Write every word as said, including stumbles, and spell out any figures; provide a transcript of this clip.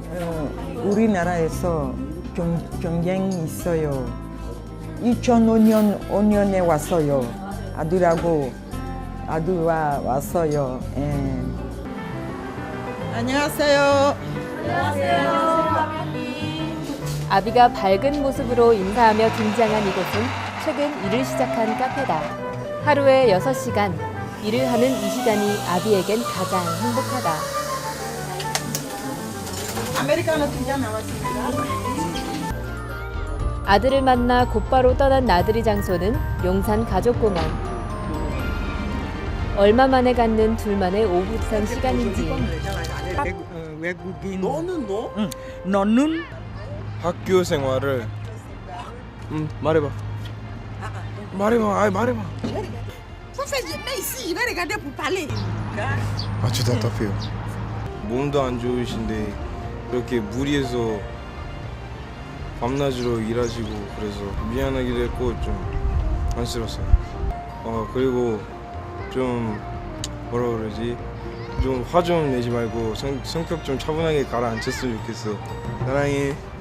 어, 우리나라에서 경, 경쟁이 있어요. 이천오 년 오 년에 왔어요. 아들하고 아들와 왔어요. 예. 안녕하세요. 아비가 밝은 모습으로 인사하며 등장한 이곳은 최근 일을 시작한 카페다. 하루에 여섯 시간, 일을 하는 이 시간이 아비에겐 가장 행복하다. 아메리카노 두 잔 나왔습니다. 아들을 만나 곧바로 떠난 나들이 장소는 용산 가족공원. 얼마 만에 갖는 둘만의 오붓한 시간인지. 외국인. 너는 너? 응. 너는 학교 생활을 음 말해봐. 말해봐. 아이 말해봐. 아, 저 답답해요. 몸도 안 좋으신데 이렇게 무리해서 밤낮으로 일하시고 그래서 미안하기도 했고 좀 안쓰러웠어요. 어 그리고 좀 뭐라 그러지? 좀 화 좀 내지 말고 성, 성격 좀 차분하게 가라앉혔으면 좋겠어. 사랑해.